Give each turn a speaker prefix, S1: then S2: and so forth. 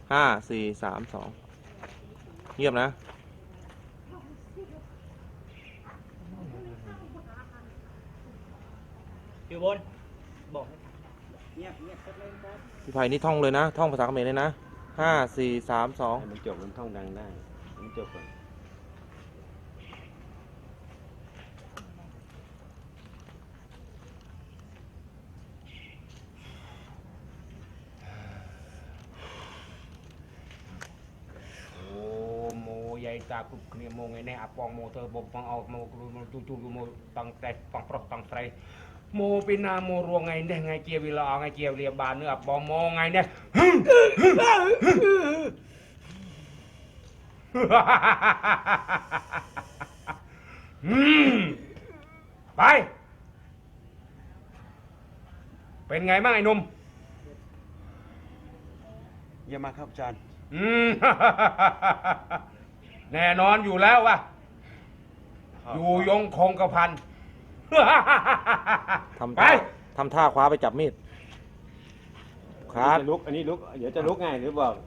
S1: ห้าสี่สามสองเงียบนะ
S2: อยู่บนบอกเงียบเลยครับ
S1: พี่ไผ่นี่ท่องเลยนะท่องภาษาเขมรเลยนะห้าสี่สามสอง
S3: มันจบมันท่องดังได้มันจบก่อนโอ้โมยายตาคุบเนี่ยโมไงเนี่ยปองโมเธอบ่ปังเอาโมจูโมตังแต่ปังปรอกตังไตรโมปีนาโมรวงไงเนี่ยไงเกียววิลาไงเกียวเรียบานเนื้อปองโมไงเนี่ยไปเป็นไงบ้างไอ้หนุ่ม
S4: เยี่ยมมากครับอาจารย์
S3: แน่นอนอยู่แล้ววะอยู่ยงคงกระพัน
S1: ทำ
S3: ไป
S1: ทำท่าคว้าไปจับมีดค
S3: อั
S1: รั
S3: น
S1: บ
S3: นี้จะลุก เดี๋ยวจะลุกไงหรือบอก